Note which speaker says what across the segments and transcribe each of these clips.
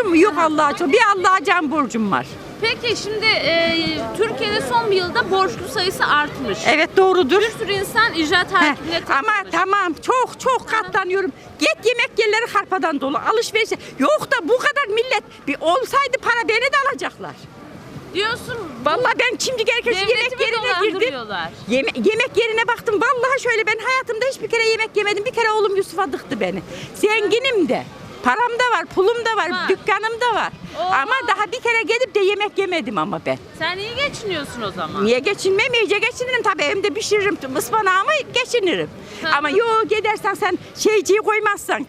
Speaker 1: borcum mu? Yok Allah'a çok. Bir Allah'a can borcum var.
Speaker 2: Peki şimdi Türkiye'de son bir yılda borçlu sayısı artmış.
Speaker 1: Evet doğrudur.
Speaker 2: Bir sürü insan icra takibine
Speaker 1: Ama tamam çok katlanıyorum. Git yemek yerleri harpadan dolu. Alışveriş. Yok da bu kadar millet bir olsaydı para beni de alacaklar.
Speaker 2: diyorsun.
Speaker 1: Vallahi ben şimdi herkes yemek yerine girdim. Yemek yerine baktım. Vallahi şöyle ben hayatımda hiçbir kere yemek yemedim. Bir kere oğlum Yusuf'a dıktı beni. Zenginim de. Param da var, pulum da var, dükkanım da var. Ama daha bir kere gelip de yemek yemedim ama ben.
Speaker 2: Sen iyi geçiniyorsun o zaman.
Speaker 1: Niye geçinmem? İyice geçinirim tabii. Evimde pişiririm, ıspanağımı geçinirim. Ama yok gidersen sen şeyciyi koymazsan,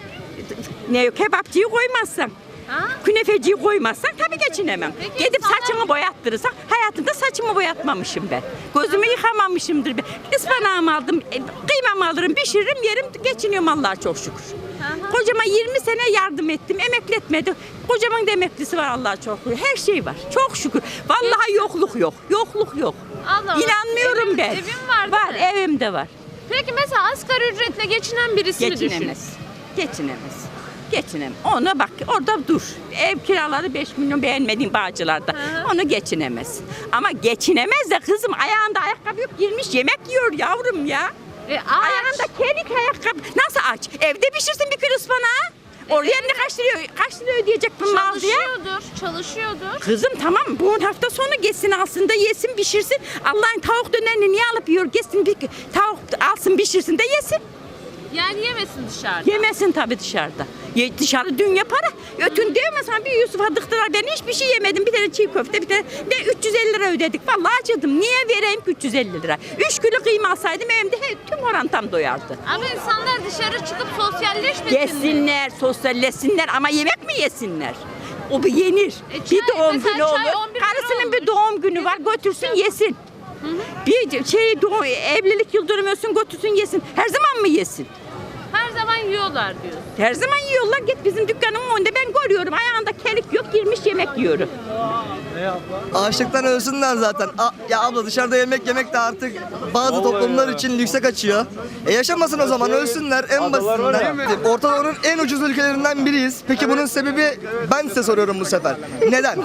Speaker 1: kebapçıyı koymazsan, künefeciyi koymazsan tabii geçinemem.
Speaker 2: Peki,
Speaker 1: Gidip saçımı boyattırırsan, hayatımda saçımı boyatmamışım ben. Gözümü yıkamamışımdır ben. Ispanağımı aldım, kıymamı alırım, pişiririm, yerim, geçiniyorum Allah'a çok şükür. Kocama 20 sene yardım ettim, emekli etmedi. Kocamın da emeklisi var Allah'a çok şükür. Her şey var, çok şükür. Vallahi yokluk yok, yokluk yok.
Speaker 2: Allah Allah.
Speaker 1: İnanmıyorum ben.
Speaker 2: Evin var
Speaker 1: Var,
Speaker 2: değil mi?
Speaker 1: evimde var.
Speaker 2: Peki mesela asgari ücretle geçinen birisini düşün.
Speaker 1: Geçinemez. Ona bak orada dur. Ev kiraları 5 milyon beğenmediğim Bağcılar'da. Onu geçinemez. Ama geçinemez de kızım ayağında ayakkabı yok girmiş yemek yiyor yavrum ya. Ayağında kelik ayakkabı. Nasıl aç? Evde pişirsin bir kilo ıspanağı. Oraya ne kaç lira ödeyecek bu mal diye?
Speaker 2: Çalışıyordur.
Speaker 1: Kızım tamam bu hafta sonu geçsin alsın da yesin pişirsin. Allah'ın tavuk dönerini niye alıp yiyor? Geçsin bir tavuk alsın pişirsin de yesin.
Speaker 2: Yani yemesin dışarıda.
Speaker 1: Yemesin tabii dışarıda. Dışarı dünya para. Ötün diyemezsen bir Yusuf'a dıktılar. Ben hiçbir şey yemedim. Bir tane çiğ köfte, bir tane de 350 lira ödedik. Vallahi acıdım. Niye vereyim ki 350 lira? 3 kilo kıyma alsaydım evimde tüm orantam doyardı.
Speaker 2: Ama insanlar dışarı çıkıp sosyalleşmesin.
Speaker 1: Yesinler, sosyalleşsinler ama yemek mi yesinler? O bir yenir. Bir doğum günü olur. Karısının bir doğum günü var. Götürsün yesin. Bir evlilik yıl dönümü olsun götürsün yesin. Her zaman mı yesin?
Speaker 2: Her zaman yiyorlar diyor.
Speaker 1: Her zaman yiyorlar. Git bizim dükkanımın önünde ben görüyorum. Ayağında kelik yok girmiş yemek yiyorum.
Speaker 3: Açlıktan ölsünler zaten. Ya abla dışarıda yemek de artık bazı toplumlar için lükse kaçıyor. Yaşamasın o zaman ölsünler en basitinden. Orta Doğu'nun en ucuz ülkelerinden biriyiz. Peki bunun sebebi ben size soruyorum bu sefer. Neden?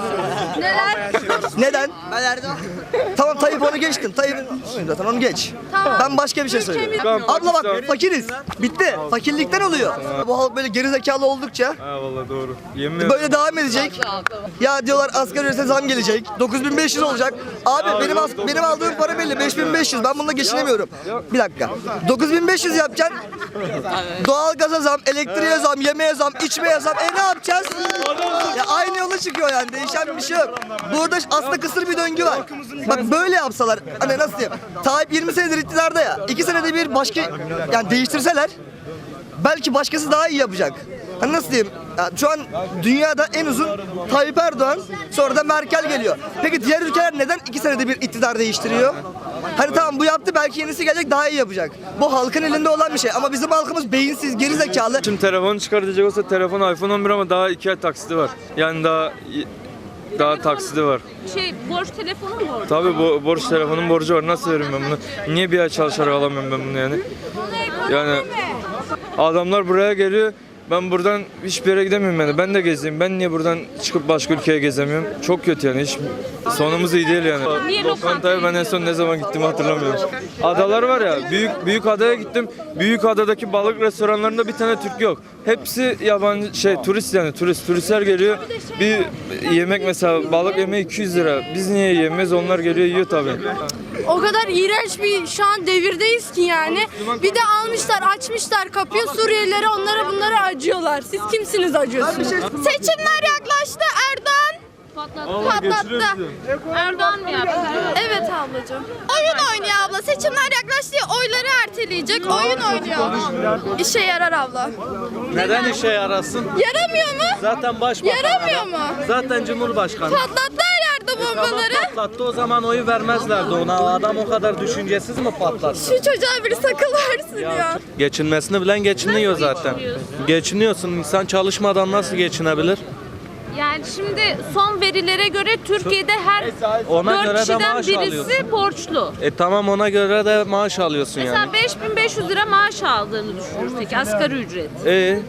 Speaker 3: Neden? Tamam Tayyip onu geçtim. Tayyip zaten onu geç. Ben başka bir şey söylüyorum. Abla bak fakiriz. Bitti. Fakirlikten oluyor. Bu halk böyle gerizekalı oldukça
Speaker 4: vallahi doğru.
Speaker 3: böyle devam edecek. Ya diyorlar asgari ücrete zam gelecek. 9500 olacak. Abi benim aldığım para belli 5500. Ben bununla geçinemiyorum. Bir dakika. 9500 yapacaksın. Doğalgaza zam, elektriğe zam, yemeğe zam, içmeye zam. Ne yapacağız? Ya aynı yola çıkıyor yani. Değişen bir şey yok. Burada aslında kısır bir döngü var. Bak böyle yapsalar hani nasıl diyeyim? Tayyip 20 senedir iktidarda ya. 2 senede bir başka yani değiştirseler belki başkası daha iyi yapacak. Hani nasıl diyeyim? Yani şu an dünyada en uzun Tayyip Erdoğan, sonra da Merkel geliyor. Peki diğer ülkeler neden 2 senede bir iktidar değiştiriyor? Hani tamam bu yaptı belki yenisi gelecek daha iyi yapacak. Bu halkın elinde olan bir şey ama bizim halkımız beyinsiz, gerizekalı.
Speaker 4: Şimdi telefonu çıkartacak olsa telefon iPhone 11 ama daha 2 ay taksidi var. Yani daha taksidi var.
Speaker 2: Borç telefonu mu borç?
Speaker 4: Tabii borç telefonun borcu var. Nasıl veririm ben bunu? Niye bir ay çalışarak alamıyorum ben bunu yani? Yani adamlar buraya geliyor. Ben buradan hiçbir yere gidemiyorum yani. Ben de gezeyim. Ben niye buradan çıkıp başka ülkeye gezemiyorum? Çok kötü yani. Hiç sonumuz iyi değil yani. Lokantaya ben en son ne zaman gittiğimi hatırlamıyorum. Adalar var ya. Büyük adaya gittim. Büyük adadaki balık restoranlarında bir tane Türk yok. Hepsi yabancı turist yani. Turistler geliyor. Bir yemek mesela balık yemeği 200 lira. Biz niye yiyemeyiz? Onlar geliyor yiyor tabii.
Speaker 5: O kadar iğrenç bir şu an devirdeyiz ki yani. Bir de almışlar, açmışlar kapıyı Suriyelilere, onlara bunlara acıyorlar. Siz kimsiniz acıyorsunuz? Seçimler yaklaştı. Erdoğan patlattı.
Speaker 2: Erdoğan mı yaptı?
Speaker 5: Evet ablacığım. Oyun oynuyor abla. Seçimler yaklaştı diye oyları erteleyecek. Oyun oynuyor. İşe yarar abla.
Speaker 6: Neden işe yarasın?
Speaker 5: Yaramıyor mu?
Speaker 6: Zaten başbakan.
Speaker 5: Yaramıyor mu?
Speaker 6: Zaten cumhurbaşkanı.
Speaker 5: Patlattı her yerde bombaları.
Speaker 6: Patlattı o zaman oyu vermezlerdi ona. Adam o kadar düşüncesiz mi patlattı?
Speaker 5: Şu çocuğa bir sakıl versin ya.
Speaker 6: Geçinmesini bilen geçiniyor zaten. Geçiniyorsun. İnsan çalışmadan nasıl geçinebilir?
Speaker 2: Yani şimdi son verilere göre Türkiye'de her
Speaker 6: Ona
Speaker 2: 4
Speaker 6: göre de
Speaker 2: kişiden
Speaker 6: maaş
Speaker 2: birisi
Speaker 6: alıyorsun.
Speaker 2: borçlu.
Speaker 6: Tamam ona göre de maaş alıyorsun
Speaker 2: Mesela
Speaker 6: yani.
Speaker 2: 5500 lira maaş aldığını düşünürsek asgari ücret.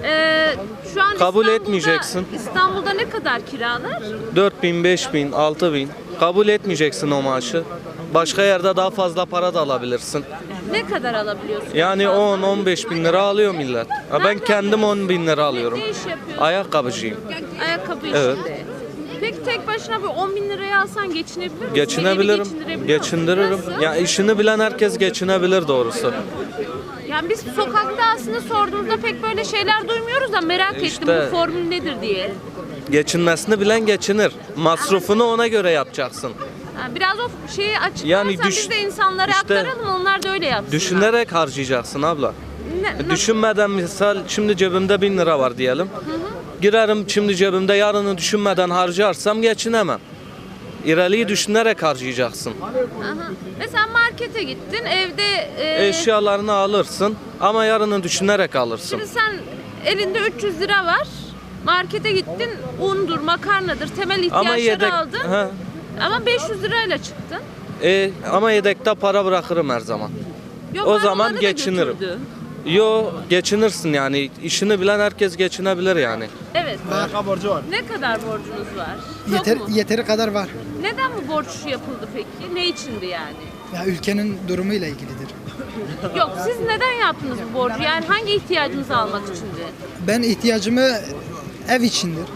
Speaker 2: Şu an
Speaker 6: Kabul
Speaker 2: İstanbul'da-
Speaker 6: etmeyeceksin.
Speaker 2: İstanbul'da ne kadar kiralar?
Speaker 6: 4000, 5000, 6000. Kabul etmeyeceksin o maaşı. Başka yerde daha fazla para da alabilirsin.
Speaker 2: Ne kadar alabiliyorsun?
Speaker 6: Yani 10-15 bin lira alıyor millet. Ha, ben kendim 10 bin lira alıyorum.
Speaker 2: Ne iş yapıyorsun?
Speaker 6: Ayakkabıcıyım.
Speaker 2: Ayakkabı
Speaker 6: Evet.
Speaker 2: işinde. Peki tek başına bir 10 bin liraya alsan geçinebilir misin?
Speaker 6: Geçinebilirim.
Speaker 2: Evi geçindirebiliyor musun?
Speaker 6: Geçindiririm.
Speaker 2: Nasıl?
Speaker 6: Ya işini bilen herkes geçinebilir doğrusu.
Speaker 2: Yani biz sokakta aslında sorduğumuzda pek böyle şeyler duymuyoruz da merak ettim
Speaker 6: İşte-
Speaker 2: bu formül nedir diye.
Speaker 6: Geçinmesini bilen geçinir. Masrufunu ona göre yapacaksın.
Speaker 2: Yani biraz o şeyi açıklarsan
Speaker 6: Yani
Speaker 2: biz de insanlara
Speaker 6: işte
Speaker 2: aktaralım onlar da öyle yapsınlar.
Speaker 6: Düşünerek harcayacaksın abla. Düşünmeden misal şimdi cebimde 1000 lira var diyelim. Girerim şimdi cebimde yarını düşünmeden harcarsam geçinemem. İleriyi düşünerek harcayacaksın.
Speaker 2: Aha. Mesela markete gittin evde
Speaker 6: Eşyalarını alırsın ama yarını düşünerek alırsın.
Speaker 2: şimdi sen elinde 300 lira var. Markete gittin undur, makarnadır, temel ihtiyaçları aldın.
Speaker 6: Ha.
Speaker 2: Ama 500 lirayla çıktın.
Speaker 6: Ama yedekte para bırakırım her zaman.
Speaker 2: Yok,
Speaker 6: O
Speaker 2: var,
Speaker 6: zaman
Speaker 2: onları da
Speaker 6: geçinirim.
Speaker 2: götürdü.
Speaker 6: Yo geçinirsin yani. İşini bilen herkes geçinebilir yani.
Speaker 2: Evet. Ne kadar borcunuz var? Çok mu?
Speaker 7: Yeteri kadar var.
Speaker 2: Neden bu borç yapıldı peki? Ne içindi yani?
Speaker 7: Ya ülkenin durumuyla ilgilidir.
Speaker 2: Yok siz neden yaptınız bu borcu? Yani hangi ihtiyacınızı almak içindi?
Speaker 7: Ben ihtiyacımı ev içindir.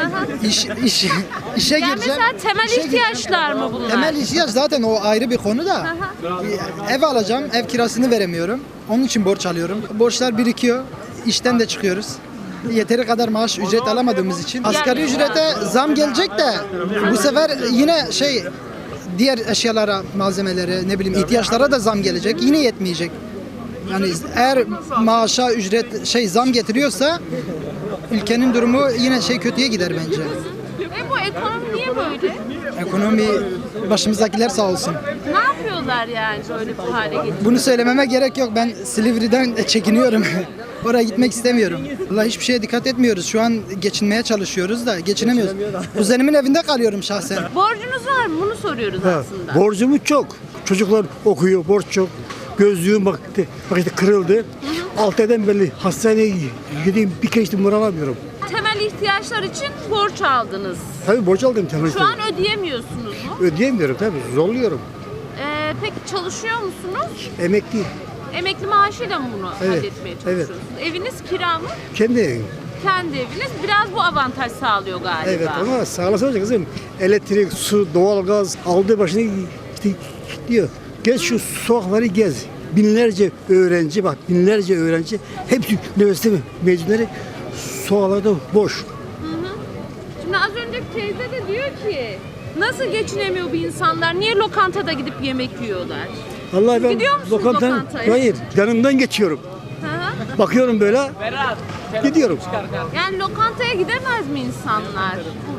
Speaker 7: İşe
Speaker 2: Yani
Speaker 7: gireceğim.
Speaker 2: mesela temel
Speaker 7: işe
Speaker 2: ihtiyaçlar mı bunlar?
Speaker 7: Temel ihtiyaç zaten o ayrı bir konu da. Ev alacağım, ev kirasını veremiyorum. Onun için borç alıyorum. Borçlar birikiyor. İşten de çıkıyoruz. Yeteri kadar maaş ücret alamadığımız için. Asgari ücrete zam gelecek de bu sefer yine diğer eşyalara, malzemelere, ne bileyim ihtiyaçlara da zam gelecek. Yine yetmeyecek. Yani eğer maaşa ücret zam getiriyorsa ülkenin durumu yine kötüye gider bence.
Speaker 2: Bu ekonomi niye böyle?
Speaker 7: Ekonomi başımızdakiler sağ olsun.
Speaker 2: Ne yapıyorlar yani böyle bu hale getiriyor?
Speaker 7: Bunu söylememe gerek yok. Ben Silivri'den çekiniyorum. Oraya gitmek istemiyorum. Vallahi hiçbir şeye dikkat etmiyoruz. Şu an geçinmeye çalışıyoruz da geçinemiyoruz. Kuzenimin evinde kalıyorum şahsen.
Speaker 2: Borcunuz var mı? Bunu soruyoruz aslında.
Speaker 8: Borcumuz çok. Çocuklar okuyor, borç çok. Gözlüğüm bak işte kırıldı. 6 aydan beri hastaneye gideyim bir kere işte moral alamıyorum.
Speaker 2: Temel ihtiyaçlar için borç aldınız.
Speaker 8: Tabii borç aldım temel.
Speaker 2: Şu an ödeyemiyorsunuz mu?
Speaker 8: Ödeyemiyorum tabii, zorluyorum.
Speaker 2: Peki çalışıyor musunuz?
Speaker 8: Emekli,
Speaker 2: Emekli maaşıyla mı bunu
Speaker 8: Evet,
Speaker 2: halletmeye çalışıyorsunuz? Eviniz kira mı?
Speaker 8: kendi evim.
Speaker 2: Kendi eviniz. Biraz bu avantaj sağlıyor galiba.
Speaker 8: Evet ama sağlasın olacak kızım. Elektrik, su, doğalgaz aldığı başını işte gidiyor. Gez şu sokakları gez. Binlerce öğrenci bak, binlerce öğrenci hepsi üniversite mezunları sokaklarda boş.
Speaker 2: Şimdi az önceki teyze de diyor ki nasıl geçinemiyor bu insanlar? Niye lokantada gidip yemek yiyorlar?
Speaker 8: Vallahi ben
Speaker 2: Gidiyor musunuz lokantaya?
Speaker 8: hayır, yanından geçiyorum.
Speaker 2: Hı hı.
Speaker 8: Bakıyorum böyle, gidiyorum.
Speaker 2: Yani lokantaya gidemez mi insanlar?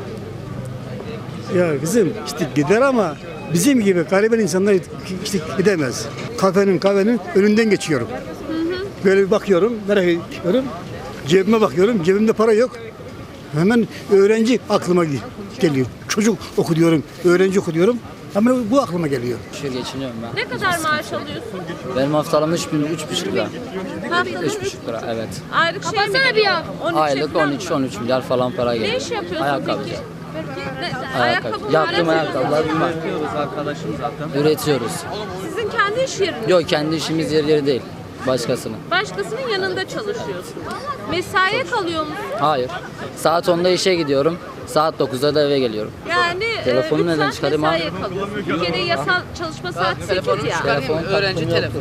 Speaker 8: Ya kızım işte gider ama bizim gibi gariban insanlar işte gidemez. Kahvenin önünden geçiyorum. Böyle bir bakıyorum, merak ediyorum. Cebime bakıyorum, cebimde para yok. Hemen öğrenci aklıma geliyor. Çocuk oku diyorum, öğrenci oku diyorum. Ama bu aklıma geliyor.
Speaker 9: Şu geçiniyorum ben.
Speaker 2: Ne kadar maaş alıyorsun?
Speaker 9: Benim haftalığım 3,5 lira.
Speaker 2: Haftada
Speaker 9: 3,5 lira evet.
Speaker 2: Aylık şey mi geliyor? 13
Speaker 9: Aylık
Speaker 2: falan mı?
Speaker 9: 13 milyar falan para geliyor.
Speaker 2: Ne iş yapıyorsun
Speaker 9: Ayakkabı.
Speaker 2: peki?
Speaker 9: Ayakkabı.
Speaker 2: mı
Speaker 9: Yaptığım
Speaker 2: var?
Speaker 9: ayakkabılar bunlar.
Speaker 6: Arkadaşım zaten.
Speaker 9: Üretiyoruz.
Speaker 2: Sizin kendi iş yeriniz.
Speaker 9: Yok kendi işimiz yeri değil. Başkasının.
Speaker 2: Başkasının yanında çalışıyorsun. Mesaiye kalıyor musun?
Speaker 9: Hayır. Saat 10'da işe gidiyorum. Saat 9'da da eve geliyorum.
Speaker 2: Yani
Speaker 9: Telefonu
Speaker 2: 3
Speaker 9: neden
Speaker 2: saat
Speaker 9: çıkarayım abi?
Speaker 2: mesaiye kalıyorsun. Türkiye'de yasal çalışma saati 8 ya.
Speaker 9: Telefon öğrenci telefonu.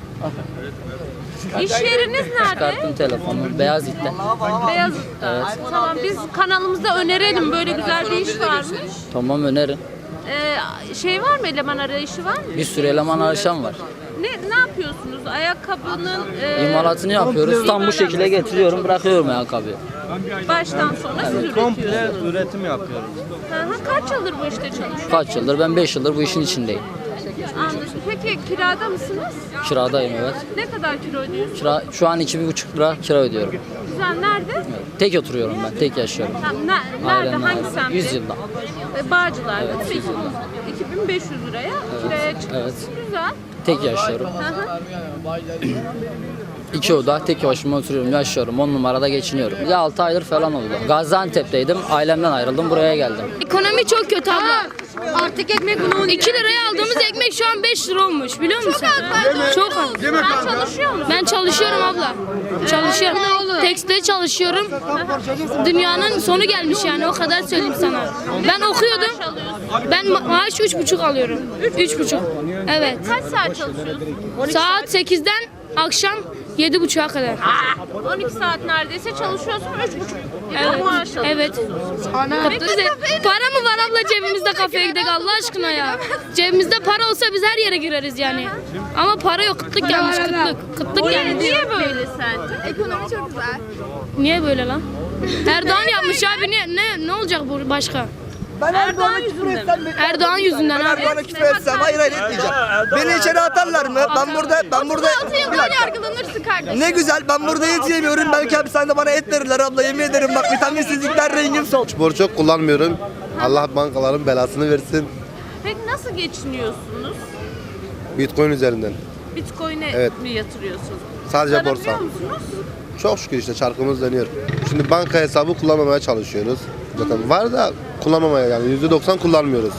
Speaker 2: İş yeriniz nerede?
Speaker 9: Çıkarttım telefonu. Beyazıt'ta.
Speaker 2: Beyazıt'ta. Tamam biz kanalımızda önerelim böyle güzel bir iş varmış.
Speaker 9: Tamam önerin.
Speaker 2: Şey var mı eleman arayışı var mı?
Speaker 9: Bir sürü eleman arayışan var.
Speaker 2: Ne yapıyorsunuz? Ayakkabının
Speaker 9: İmalatını yapıyoruz. Tam bu şekilde getiriyorum, bırakıyorum ayakkabıyı.
Speaker 2: baştan sona siz
Speaker 6: Komple
Speaker 2: üretiyorsunuz.
Speaker 6: üretim yapıyoruz.
Speaker 2: Kaç yıldır bu işte çalışıyorsunuz?
Speaker 9: Kaç yıldır? Ben 5 yıldır bu işin içindeyim.
Speaker 2: Anladım. Peki kirada mısınız?
Speaker 9: Kiradayım evet.
Speaker 2: Ne kadar kira ödüyorsunuz?
Speaker 9: Kira, şu an 2,5 lira kira ödüyorum.
Speaker 2: Güzel. Nerede?
Speaker 9: Tek oturuyorum ben, tek yaşıyorum.
Speaker 2: Nerede?
Speaker 9: Ailemle
Speaker 2: Hangi
Speaker 9: beraber.
Speaker 2: semtte?
Speaker 9: 100 yılda.
Speaker 2: Bağcılar'da
Speaker 9: Evet,
Speaker 2: değil mi?
Speaker 9: 100 yılda.
Speaker 2: 2500 liraya kiraya çıkıyorsun.
Speaker 9: Evet.
Speaker 2: Güzel.
Speaker 9: Tek yaşıyorum.
Speaker 2: Hı hı.
Speaker 9: 2 oda tek başıma oturuyorum, yaşıyorum. 10 numarada geçiniyorum. Bir de 6 aydır falan oldu. Gaziantep'teydim. Ailemden ayrıldım. Buraya geldim.
Speaker 5: Ekonomi çok kötü abla. Artık ekmek 2 liraya aldığımız ekmek şu an 5 lira olmuş biliyor musun? Çok az.
Speaker 2: Sen çalışıyor musun?
Speaker 5: Ben çalışıyorum abla. Çalışıyorum. Tekstilde çalışıyorum. Dünyanın sonu gelmiş yani o kadar söyleyeyim sana. Ben okuyordum. Ben maaş 3,5 alıyorum. 3,5. Evet.
Speaker 2: Kaç saat çalışıyorsun?
Speaker 5: Saat 8'den akşam 7,5'a kadar.
Speaker 2: 12 saat neredeyse çalışıyorsun. 3,5
Speaker 5: Evet.
Speaker 2: maaş alıyorsun.
Speaker 5: Evet. Para mı var abla cebimizde kafeye gidelim Allah aşkına ya. Cebimizde para olsa biz her yere gireriz yani. Ama para yok. Kıtlık gelmiş kıtlık. Kıtlık gelmiş.
Speaker 2: Niye böyle sence?
Speaker 5: Ekonomi çok güzel. Niye böyle lan? Erdoğan yapmış abi ne olacak bu başka?
Speaker 3: Ben Erdoğan'a küfür etsem,
Speaker 5: Erdoğan yüzünden
Speaker 3: ben
Speaker 5: abi.
Speaker 3: Erdoğan'a küfür etsem hayır etmeyeceğim. Beni içeri atarlar mı? Ben burada bir dakika.
Speaker 5: yargılanırsın kardeşim.
Speaker 3: Ne güzel ben burada et yemiyorum. Belki hapishanede bana et verirler abla yemin ederim bak vitaminsizlikler rengim sol.
Speaker 10: Borç çok kullanmıyorum. Allah bankaların belasını versin.
Speaker 2: Peki nasıl geçiniyorsunuz?
Speaker 10: Bitcoin üzerinden.
Speaker 2: Bitcoin'e
Speaker 10: Evet.
Speaker 2: mi yatırıyorsunuz?
Speaker 10: Sadece borsa.
Speaker 2: Kazanabiliyor musunuz?
Speaker 10: Çok şükür işte çarkımız dönüyor. Şimdi banka hesabı kullanmamaya çalışıyoruz. Zaten var da kullanmamaya yani %90 kullanmıyoruz.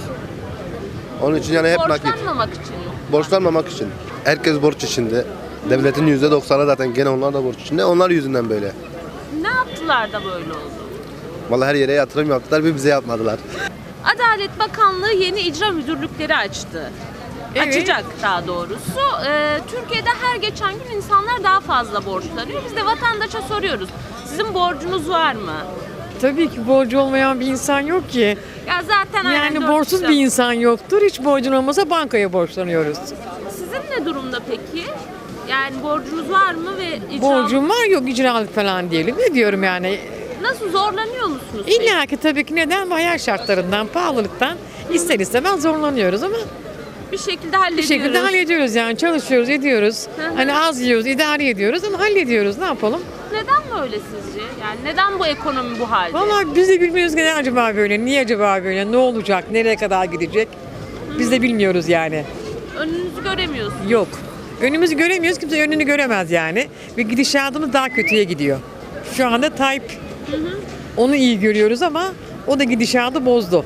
Speaker 10: Onun için yani hep nakit.
Speaker 2: Borçlanmamak için mi?
Speaker 10: Borçlanmamak için. Herkes borç içinde. Devletin %90'ı zaten gene onlar da borç içinde. Onlar yüzünden böyle.
Speaker 2: Ne yaptılar da böyle oldu?
Speaker 10: Vallahi her yere yatırım yaptılar bir bize yapmadılar.
Speaker 2: Adalet Bakanlığı yeni icra müdürlükleri açtı. Açacak daha doğrusu. Türkiye'de her geçen gün insanlar daha fazla borçlanıyor. Biz de vatandaşa soruyoruz. Sizin borcunuz var mı?
Speaker 11: Tabii ki borcu olmayan bir insan yok ki.
Speaker 2: Ya zaten aynen
Speaker 11: Yani
Speaker 2: dört
Speaker 11: borçsuz
Speaker 2: kişi-
Speaker 11: bir insan yoktur. Hiç borcun olmasa bankaya borçlanıyoruz.
Speaker 2: Sizin ne durumda peki? Yani borcunuz var mı ve icra...
Speaker 11: Borcum var yok icralık falan diyelim. Ne diyorum yani?
Speaker 2: Nasıl zorlanıyor musunuz? peki?
Speaker 11: İlla ki tabii ki neden? Hayat şartlarından, pahalılıktan ister istemez zorlanıyoruz ama
Speaker 2: Bir şekilde
Speaker 11: bir
Speaker 2: hallediyoruz.
Speaker 11: şekilde hallediyoruz yani. Çalışıyoruz, ediyoruz. Hani az yiyoruz, idare ediyoruz ama hallediyoruz. Ne yapalım?
Speaker 2: Neden böyle sizce? Yani neden bu ekonomi bu halde?
Speaker 11: Vallahi biz de bilmiyoruz ki ne acaba böyle, niye acaba böyle, ne olacak, nereye kadar gidecek? Biz de bilmiyoruz yani.
Speaker 2: Önünüzü göremiyorsunuz.
Speaker 11: Yok. Önümüzü göremiyoruz. Kimse önünü göremez yani. Ve gidişatımız daha kötüye gidiyor. Şu anda Tayyip onu iyi görüyoruz ama o da gidişatı bozdu.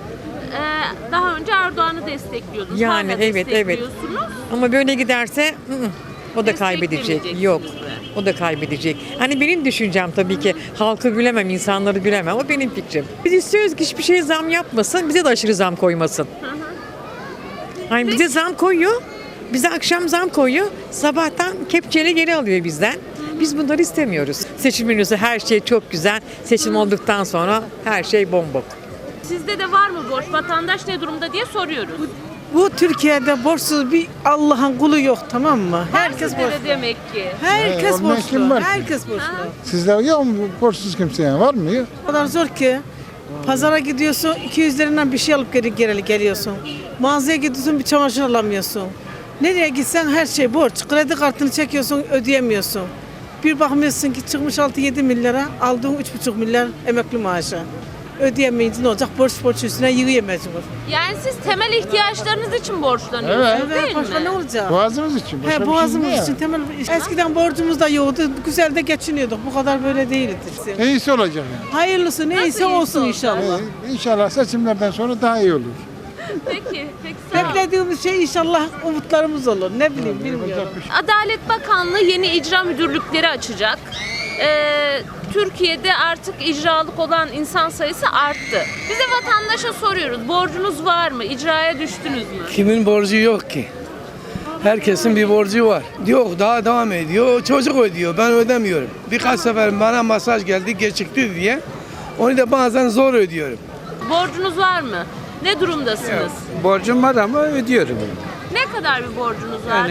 Speaker 2: Daha önce Erdoğan'ı destekliyordunuz.
Speaker 11: Yani
Speaker 2: Hala
Speaker 11: evet.
Speaker 2: destekliyorsunuz.
Speaker 11: Ama böyle giderse o da kaybedecek.
Speaker 2: Desteklemeyeceksiniz
Speaker 11: Yok.
Speaker 2: mi?
Speaker 11: O da kaybedecek. Hani benim düşüncem tabii ki halkı bilemem, insanları bilemem. O benim fikrim. Biz istiyoruz ki hiçbir şeye zam yapmasın, bize de aşırı zam koymasın. Hani bize zam koyuyor, bize akşam zam koyuyor, sabahtan kepçeyle geri alıyor bizden. Biz bunları istemiyoruz. Seçim önüsü her şey çok güzel. Seçim olduktan sonra her şey bombok.
Speaker 2: Sizde de var mı borç? Vatandaş ne durumda diye soruyoruz.
Speaker 12: Bu Türkiye'de borçsuz bir Allah'ın kulu yok, tamam mı? Herkes
Speaker 2: Sizde de
Speaker 12: borçlu.
Speaker 2: demek ki.
Speaker 12: Herkes
Speaker 13: olmayan kim
Speaker 12: borçlu.
Speaker 13: var ki?
Speaker 12: Herkes borçlu.
Speaker 13: Sizde yok mu borçsuz kimse yani var mı?
Speaker 12: O kadar zor ki. Pazara gidiyorsun, 200 liradan bir şey alıp geri geliyorsun. Mağazaya gidiyorsun, bir çamaşır alamıyorsun. Nereye gitsen her şey borç. Kredi kartını çekiyorsun, ödeyemiyorsun. Bir bakmıyorsun ki çıkmış 6-7 milyara, aldığın 3,5 milyar emekli maaşı. Ödeyemeyince ne olacak? Borç üstüne yığıyor mecbur.
Speaker 2: Yani siz temel ihtiyaçlarınız için borçlanıyorsunuz değil
Speaker 12: Başka
Speaker 2: mi?
Speaker 12: ne olacak?
Speaker 13: Boğazımız için. Başka bir şey
Speaker 12: Boğazımız
Speaker 13: değil.
Speaker 12: için temel. Eskiden borcumuz da yoktu. Güzel de geçiniyorduk. Bu kadar böyle değildi.
Speaker 13: İyisi olacak yani.
Speaker 12: Hayırlısı neyse
Speaker 2: iyisi
Speaker 12: olsun
Speaker 2: olacak?
Speaker 12: inşallah.
Speaker 13: İnşallah seçimlerden sonra daha iyi olur.
Speaker 2: Peki sağ olun.
Speaker 12: Beklediğimiz şey inşallah umutlarımız olur. Ne bileyim bilmiyorum.
Speaker 2: Adalet Bakanlığı yeni icra müdürlükleri açacak. Türkiye'de artık icralık olan insan sayısı arttı. Biz de vatandaşa soruyoruz. Borcunuz var mı? İcraya düştünüz mü?
Speaker 14: Kimin borcu yok ki? Herkesin bir borcu var. Yok daha devam ediyor. Çocuk ödüyor. Ben ödemiyorum. Birkaç sefer bana masaj geldi gecikti diye. Onu da bazen zor ödüyorum.
Speaker 2: Borcunuz var mı? Ne durumdasınız?
Speaker 14: Borcum var ama ödüyorum.
Speaker 2: Ne kadar bir borcunuz var?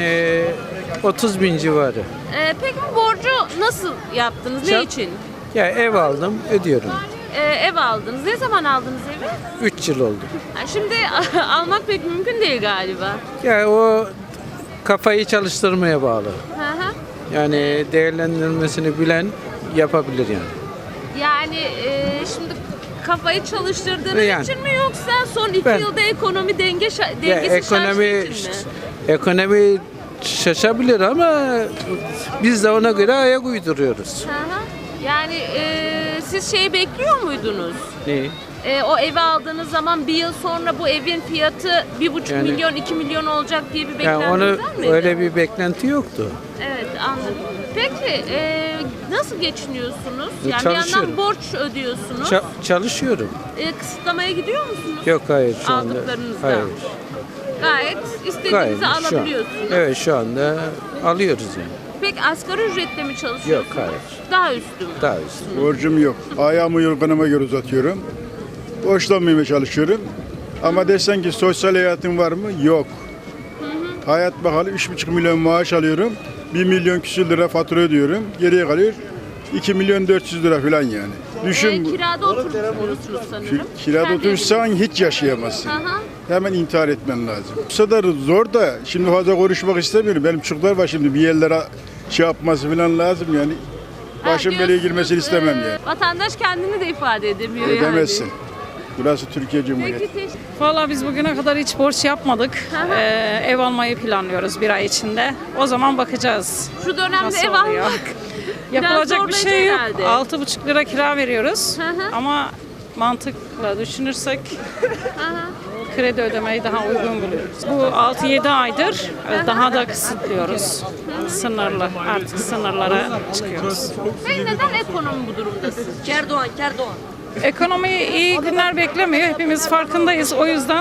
Speaker 14: 30 bin civarı.
Speaker 2: Peki bu borcu nasıl yaptınız? Ne için?
Speaker 14: Ya ev aldım ödüyorum.
Speaker 2: Ev aldınız. Ne zaman aldınız evi?
Speaker 14: 3 yıl oldu.
Speaker 2: Ha, şimdi almak pek mümkün değil galiba.
Speaker 14: Ya o kafayı çalıştırmaya bağlı.
Speaker 2: Hı hı.
Speaker 14: Yani değerlendirmesini bilen yapabilir yani.
Speaker 2: Yani şimdi kafayı çalıştırdığınız
Speaker 14: Yani.
Speaker 2: için mi yoksa son 2
Speaker 14: Ben-
Speaker 2: yılda ekonomi dengesi
Speaker 14: Ya
Speaker 2: şaştığı için mi?
Speaker 14: ekonomi
Speaker 6: şaşabilir ama biz de ona göre ayak uyduruyoruz.
Speaker 2: Hı hı. Yani siz şeyi bekliyor muydunuz?
Speaker 6: Neyi?
Speaker 2: O evi aldığınız zaman bir yıl sonra bu evin fiyatı 1,5
Speaker 6: Yani-
Speaker 2: milyon, 2 milyon olacak diye bir
Speaker 6: Yani
Speaker 2: beklentiniz
Speaker 6: onu
Speaker 2: var mıydı?
Speaker 6: öyle bir beklenti yoktu.
Speaker 2: Evet, anladım. Peki nasıl geçiniyorsunuz? Yani bir yandan
Speaker 6: Çalışıyorum.
Speaker 2: borç ödüyorsunuz.
Speaker 6: Çalışıyorum.
Speaker 2: Kısıtlamaya gidiyor musunuz?
Speaker 6: Yok hayır şu anda.
Speaker 2: Aldıklarınızdan.
Speaker 6: Hayır.
Speaker 2: Gayet istediğinizi
Speaker 6: Gayet şu an.
Speaker 2: alabiliyorsunuz.
Speaker 6: Evet şu anda alıyoruz yani.
Speaker 2: Peki asgari ücretle mi çalışıyorsunuz?
Speaker 6: Yok, hayır.
Speaker 2: Daha üstü mü?
Speaker 6: Daha üstü.
Speaker 13: Borcum yok. Ayağımı yorganıma göre uzatıyorum. Borçlanmamaya çalışıyorum. Ama desen ki sosyal hayatın var mı? Yok. Hayat bakalım 3,5 milyon maaş alıyorum. 1 milyon küsür lira fatura ödüyorum. Geriye kalıyor 2 milyon 400 lira falan yani. Düşün bu.
Speaker 2: Kirada oturuyorsunuz sanırım.
Speaker 13: Kirada
Speaker 2: Kendi
Speaker 13: oturursan hiç yaşayamazsın.
Speaker 2: Hı hı.
Speaker 13: Hemen intihar etmen lazım. Bu kadar zor da şimdi fazla konuşmak istemiyorum. Benim çocuklar var şimdi bir yerlere şey yapması falan lazım yani. Başım
Speaker 2: Ha,
Speaker 13: belaya girmesini
Speaker 2: diyorsunuz,
Speaker 13: istemem yani.
Speaker 2: Vatandaş kendini de ifade edemiyor yani.
Speaker 13: Edemezsin. Burası Türkiye Cumhuriyeti.
Speaker 2: Peki teşekkür
Speaker 12: Valla biz bugüne kadar hiç borç yapmadık. Ev almayı planlıyoruz bir ay içinde. O zaman bakacağız.
Speaker 2: Şu dönemde
Speaker 12: Nasıl
Speaker 2: ev
Speaker 12: oluyor?
Speaker 2: almak
Speaker 12: Yapılacak bir
Speaker 2: zorlayıcı
Speaker 12: şey yok.
Speaker 2: herhalde.
Speaker 12: 6,5 lira kira veriyoruz.
Speaker 2: Hı hı.
Speaker 12: Ama mantıkla düşünürsek kredi ödemeyi daha uygun buluyoruz. Bu 6-7 aydır daha da kısıtlıyoruz. Sınırlı. Artık sınırlara çıkıyoruz.
Speaker 2: Peki neden ekonomi bu durumda sizce?
Speaker 1: Kerdoğan.
Speaker 12: Ekonomi iyi günler beklemiyor. Hepimiz farkındayız. O yüzden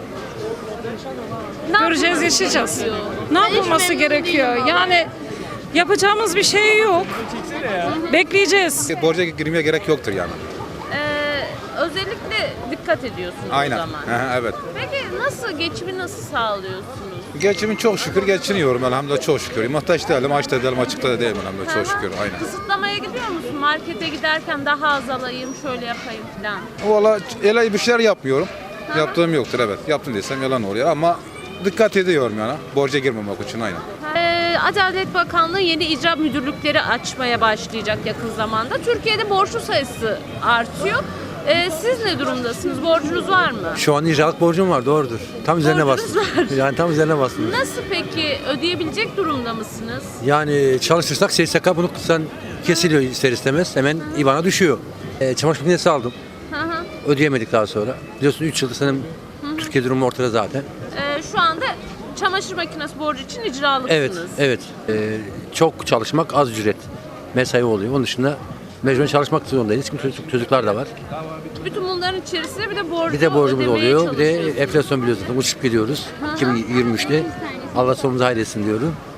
Speaker 12: göreceğiz, yaşayacağız. Ne yapılması gerekiyor? Yani yapacağımız bir şey yok. Bekleyeceğiz.
Speaker 15: Borca girmeye gerek yoktur yani.
Speaker 2: Özellikle dikkat ediyorsunuz
Speaker 15: Aynen.
Speaker 2: o zaman.
Speaker 15: Evet.
Speaker 2: Peki geçimi nasıl sağlıyorsunuz?
Speaker 15: Geçimi çok şükür geçiniyorum elhamdülillah çok şükür. Muhtaç değilim, aç da değilim, açıkta da değilim elhamdülillah çok şükür. Aynen.
Speaker 2: Kısıtlamaya gidiyor musun? Markete giderken daha az alayım, şöyle yapayım falan.
Speaker 15: Valla öyle bir şeyler yapmıyorum. Yaptığım yoktur evet. Yaptım desem yalan oluyor ama dikkat ediyorum yani. Borca girmemek için aynen.
Speaker 2: Adalet Bakanlığı yeni icra müdürlükleri açmaya başlayacak yakın zamanda. Türkiye'de borçlu sayısı artıyor. Siz ne durumdasınız? Borcunuz var mı?
Speaker 16: Şu an icraat borcum var, doğrudur. Tam üzerine
Speaker 2: Borcunuz
Speaker 16: bastım.
Speaker 2: var.
Speaker 16: Yani tam üzerine bastım.
Speaker 2: Nasıl peki? Ödeyebilecek durumda mısınız?
Speaker 16: Yani çalışırsak SSK bunu sen kesiliyor ister istemez. Hemen IBAN'a düşüyor. Çamaşır makinesi aldım.
Speaker 2: Hı hı.
Speaker 16: Ödeyemedik daha sonra. Biliyorsun 3 yıldır senin Türkiye durumu ortada zaten.
Speaker 2: Şu anda çamaşır makinesi borcu için icralısınız.
Speaker 16: Evet, evet. Çok çalışmak az ücret. Mesai oluyor. Onun dışında mecburen çalışmak zorundayız. Çünkü çocuklar da var.
Speaker 2: Bütün bunların içerisinde bir de borcu
Speaker 16: Bir de borcumuz
Speaker 2: ödemeye
Speaker 16: oluyor. Bir de
Speaker 2: çalışıyorsunuz.
Speaker 16: enflasyon biliyorsunuz. Uçup gidiyoruz. 2023'te. Allah sonumuzu hayretsin diyorum.